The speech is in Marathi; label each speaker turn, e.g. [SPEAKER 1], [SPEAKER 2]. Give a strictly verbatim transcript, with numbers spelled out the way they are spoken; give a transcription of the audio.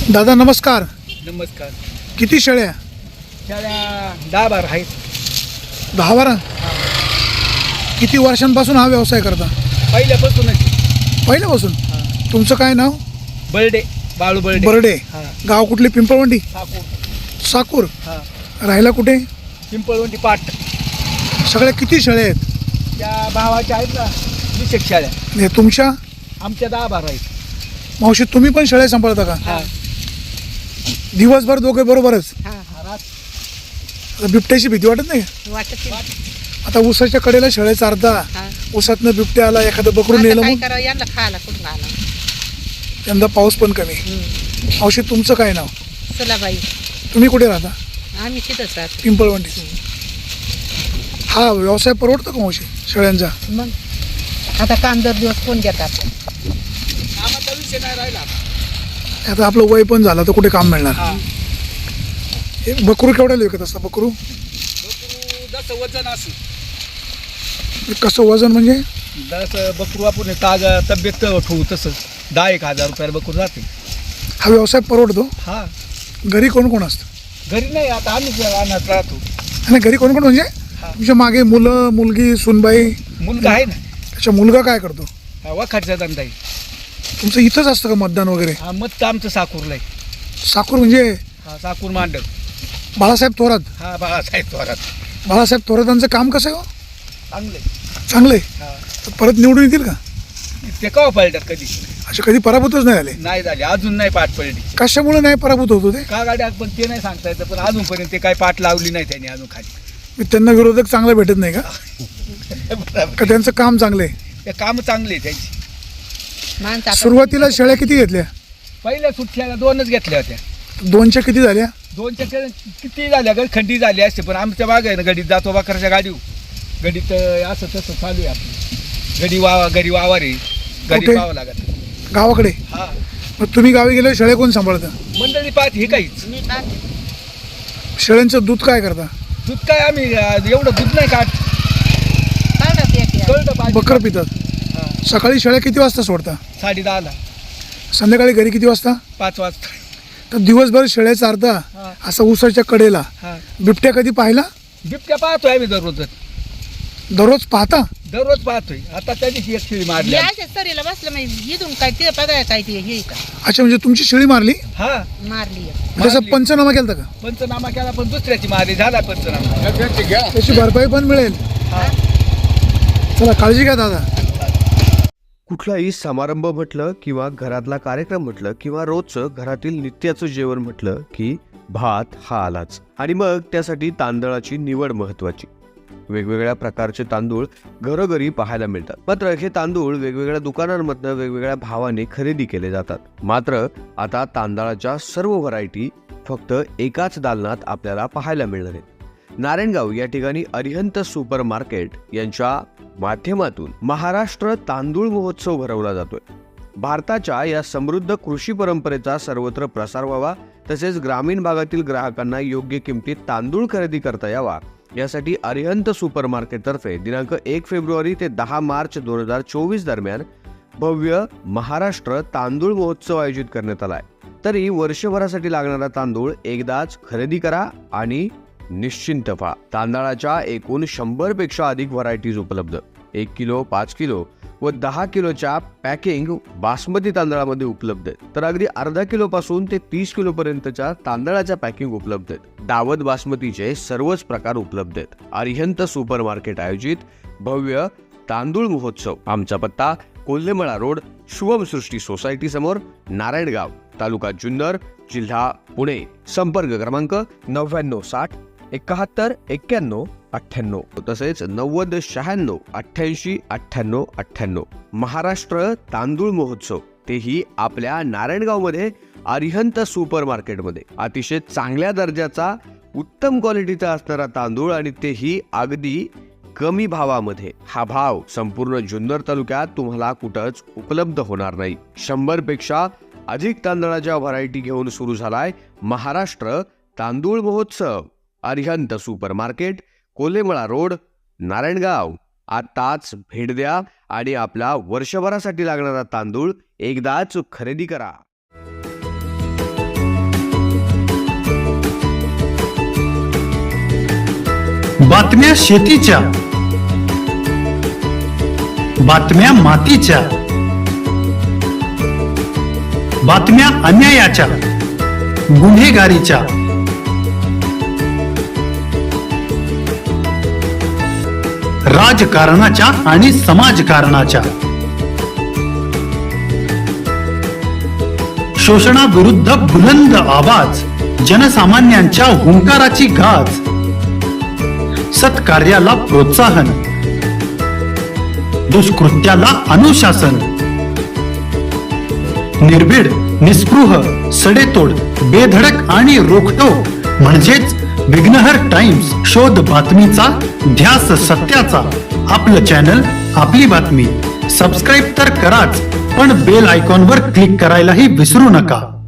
[SPEAKER 1] दादा नमस्कार.
[SPEAKER 2] नमस्कार.
[SPEAKER 1] किती शेळ्या?
[SPEAKER 2] शेळ्या दहा बारा आहेत.
[SPEAKER 1] दहा बारा. किती वर्षांपासून हा व्यवसाय करता?
[SPEAKER 2] पहिल्यापासूनच.
[SPEAKER 1] पहिल्यापासून. तुमचं काय नाव?
[SPEAKER 2] बर्डे, बाळू बर्डे.
[SPEAKER 1] बर्डे.
[SPEAKER 2] हां.
[SPEAKER 1] गाव कुठले? पिंपळवंडी.
[SPEAKER 2] साकूर.
[SPEAKER 1] साकूर.
[SPEAKER 2] हां.
[SPEAKER 1] राहायला कुठे?
[SPEAKER 2] पिंपळवंडी पाट.
[SPEAKER 1] सगळ्या किती शेळ्या आहेत?
[SPEAKER 2] त्या भावाच्या आहेत ना वीस एक शेळ्या.
[SPEAKER 1] हे तुमच्या?
[SPEAKER 2] आमच्या दहा बारा आहेत.
[SPEAKER 1] मावशी तुम्ही पण शेळ्या सांभाळता का?
[SPEAKER 2] हां.
[SPEAKER 1] दिवसभर दोघे बरोबरच?
[SPEAKER 2] रात
[SPEAKER 1] आता बिबट्याची भीती वाटत नाही?
[SPEAKER 3] वाटत
[SPEAKER 1] आता उसाच्या कडेला शेळ्या चारता,
[SPEAKER 3] हा.
[SPEAKER 1] उसातनं बिबट्या आला, एखादं बकरून
[SPEAKER 3] आता
[SPEAKER 1] नेलं,
[SPEAKER 3] काय
[SPEAKER 1] मग
[SPEAKER 3] करावं यांना खायला कुठून आला.
[SPEAKER 1] यंदा पाऊस पण कमी. मावशी तुमचं काय नाव?
[SPEAKER 3] सलाबाई.
[SPEAKER 1] तुम्ही कुठे राहता?
[SPEAKER 3] आम्ही तिथंच राहतो.
[SPEAKER 1] पिंपळवंडी. हा व्यवसाय परवडतो का मावशी शेळ्यांचा?
[SPEAKER 3] मग आता काम दर दिवस कोण घेतात.
[SPEAKER 2] कामाचा विषय नाही राहिला.
[SPEAKER 1] आता आपलं वय पण झालं तर कुठे काम मिळणार?
[SPEAKER 2] हां.
[SPEAKER 1] हे बकरू केवढ्याला विकत असतं? बकरू
[SPEAKER 2] बकरू जसं वजन असं
[SPEAKER 1] कसं वजन म्हणजे?
[SPEAKER 2] जसं बकरू आपण ताजा तब्येत ठेवू तसं दहा एक हजार रुपयाला बकरू जाते.
[SPEAKER 1] हा व्यवसाय परवडतो?
[SPEAKER 2] हां.
[SPEAKER 1] घरी कोण कोण असतं?
[SPEAKER 2] घरी नाही, आता आम्ही राहण्यात राहतो.
[SPEAKER 1] आणि घरी कोण कोण म्हणजे
[SPEAKER 2] हा.
[SPEAKER 1] तुमच्या मागे मुलं, मुलगी, सुनबाई?
[SPEAKER 2] मुलगा आहे ना.
[SPEAKER 1] अच्छा, मुलगा काय करतो?
[SPEAKER 2] हा, वखाटचा धंदा आहे.
[SPEAKER 1] तुमचं इथंच असतं का मतदान वगैरे?
[SPEAKER 2] हा, मत आमचं साकूरला आहे.
[SPEAKER 1] साकूर म्हणजे
[SPEAKER 2] हा, साकूर मांडव.
[SPEAKER 1] बाळासाहेब थोरात.
[SPEAKER 2] हा, बाळासाहेब थोरात.
[SPEAKER 1] बाळासाहेब थोरातांचं काम कसं आहे हो?
[SPEAKER 2] चांगले.
[SPEAKER 1] चांगलं आहे.
[SPEAKER 2] हा.
[SPEAKER 1] तर परत निवडून येतील का?
[SPEAKER 2] ते कवा पळतात कधी
[SPEAKER 1] असे कधी पराभूतच नाही आले?
[SPEAKER 2] नाही झाले, अजून नाही पाठ पडली.
[SPEAKER 1] कशामुळे नाही पराभूत होतो ते?
[SPEAKER 2] का गाड्या पण ते नाही सांगता येतं, पण अजूनपर्यंत ते काय पाठ लावली नाही त्यांनी अजून खाली.
[SPEAKER 1] मी त्यांना विरोधक चांगला भेटत नाही का?
[SPEAKER 2] बरोबर.
[SPEAKER 1] का त्यांचं काम चांगलं आहे?
[SPEAKER 2] ते काम चांगले आहे त्यांची.
[SPEAKER 3] माणसं आता
[SPEAKER 1] सुरुवातीला शेळ्या किती घेतल्या?
[SPEAKER 2] पहिल्या सुट्ट्याला दोनच घेतल्या होत्या.
[SPEAKER 1] दोनच्या किती झाल्या?
[SPEAKER 2] दोनच्या के- किती झाल्या गड खंडी झाली असते, पण आमच्या बाग आहे ना गडीत जातो बाकरच्या गाडीवर. गडीत अं, असं तसं चालू आहे आपलं. गडी वावा गडी वावर आहे. गडी
[SPEAKER 1] कुठे?
[SPEAKER 2] पाहावं लागत.
[SPEAKER 1] गावाकडे.
[SPEAKER 2] हा.
[SPEAKER 1] मग तुम्ही गावी गेल्यावर शेळ्या कोण सांभाळतं?
[SPEAKER 2] मंडळी पाहत हे काहीच.
[SPEAKER 3] मी पाहते.
[SPEAKER 1] शेळ्यांचं दूध काय करता?
[SPEAKER 2] दूध काय आम्ही अं, एवढं दूध नाही काढ.
[SPEAKER 3] काढत एक
[SPEAKER 2] कळतं पाहिजे.
[SPEAKER 1] बकर पितात.
[SPEAKER 2] हा.
[SPEAKER 1] सकाळी शेळ्या किती वाजता सोडता?
[SPEAKER 2] साडे दहाला.
[SPEAKER 1] संध्याकाळी घरी किती वाजता?
[SPEAKER 2] पाच वाजता.
[SPEAKER 1] तर दिवसभर शेळ्या चारता,
[SPEAKER 2] हा.
[SPEAKER 1] असं उसाच्या कडेला.
[SPEAKER 2] हा.
[SPEAKER 1] बिबट्या कधी पाहिला?
[SPEAKER 2] बिबट्या पाहतोय आम्ही दररोज.
[SPEAKER 1] दररोज पाहता?
[SPEAKER 2] दररोज पाहतोय. आता त्या दिवशी एक शिळी मारली.
[SPEAKER 3] मी अशा सरीला बसलं म्हणजे इथून काय ते बघाय काय ते हे का
[SPEAKER 1] अच्छा, म्हणजे तुमची शेळी मारली?
[SPEAKER 2] हा.
[SPEAKER 3] मारली एक.
[SPEAKER 1] त्याचा
[SPEAKER 2] मारली.
[SPEAKER 1] पंचनामा केला का?
[SPEAKER 2] पंचनामा केला, पण दुसऱ्याची मारली. झाला पंचनामा.
[SPEAKER 1] त्याची भरपाई पण मिळेल.
[SPEAKER 2] हा.
[SPEAKER 1] चला काळजी घ्या दादा.
[SPEAKER 4] कुठलाही समारंभ म्हटलं किंवा घरातला कार्यक्रम म्हटलं किंवा रोजचं घरातील नित्याचं जेवण म्हटलं की भात हा आलाच. आणि मग त्यासाठी तांदळाची निवड महत्वाची. वेगवेगळ्या प्रकारचे तांदूळ घरोघरी पाहायला मिळतात. मात्र हे तांदूळ वेगवेगळ्या दुकानांमधनं वेगवेगळ्या भावाने खरेदी केले जातात. मात्र आता तांदळाच्या सर्व व्हरायटी फक्त एकाच दालनात आपल्याला पाहायला मिळणार आहेत. नारायणगाव या ठिकाणी अरिहंत सुपर मार्केट यांच्या माध्यमातून महाराष्ट्र तांदूळ महोत्सव भरवला जातोय. भारताच्या या समृद्ध कृषी परंपरेचा सर्वत्र प्रसार व्हावा, तसेच ग्रामीण भागातील ग्राहकांना योग्य किमतीत तांदूळ खरेदी करता यावा, यासाठी अरिहंत सुपर मार्केट तर्फे दिनांक एक फेब्रुवारी ते दहा मार्च दोन हजार चोवीस दरम्यान भव्य महाराष्ट्र तांदूळ महोत्सव आयोजित करण्यात आलाय. तरी वर्षभरासाठी लागणारा तांदूळ एकदाच खरेदी करा आणि निश्चिंत व्हा. तांदळाच्या एकूण शंभर पेक्षा अधिक व्हरायटीज उपलब्ध. एक किलो, पाच किलो व दहा किलोच्या पॅकिंग बासमती तांदळामध्ये उपलब्ध आहेत. तर अगदी अर्धा किलो पासून ते तीस किलो पर्यंतच्या तांदळाच्या पॅकिंग उपलब्ध आहेत. दावत बासमतीचे सर्वच प्रकार उपलब्ध आहेत. अरिहंत सुपर मार्केट आयोजित भव्य तांदूळ महोत्सव. आमचा पत्ता कोल्हेमळा रोड, शुभमसृष्टी सोसायटी समोर, नारायणगाव, तालुका जुन्नर, जिल्हा पुणे. संपर्क क्रमांक नव्याण्णव साठ एकाहत्तर एक्क्याण्णव अठ्ठ्याण्णव, तसेच नव्वद शहाण्णव अठ्ठ्याऐंशी अठ्ठ्याण्णव अठ्ठ्याण्णव. महाराष्ट्र तांदूळ महोत्सव, तेही आपल्या नारायणगाव मध्ये अरिहंत सुपर मार्केटमध्ये. अतिशय चांगल्या दर्जाचा उत्तम क्वालिटीचा असणारा तांदूळ आणि तेही अगदी कमी भावामध्ये. हा भाव संपूर्ण जुन्नर तालुक्यात तुम्हाला कुठंच उपलब्ध होणार नाही. शंभर पेक्षा अधिक तांदळाच्या व्हरायटी घेऊन सुरू झालाय महाराष्ट्र तांदूळ महोत्सव. Arihant super market, Kolhemala road, Narayangaon. आताच भेट द्या आणि आपला वर्षभरासाठी लागणारा तांदूळ एकदाच खरेदी करा.
[SPEAKER 5] बातम्या शेतीच्या, बातम्या मातीच्या, बातम्या अन्यायाच्या, गुन्हेगारीच्या, राजकारणाच्या आणि समाजकारणाच्या, शोषणाविरुद्ध बुलंद आवाज, जनसामान्यांच्या हुंकाराची गाज, सत्कार्याला प्रोत्साहन, दुष्कृत्याला अनुशासन, निर्भीड, निस्पृह, सडेतोड, बेधडक आणि रोखठोक म्हणजेच विघ्नहर टाइम्स. शोध बातमीचा, ध्यास सत्याचा. आपलं चॅनल, आपली बातमी. सबस्क्राईब तर कराच, पण बेल आयकॉनवर क्लिक करायलाही विसरू नका.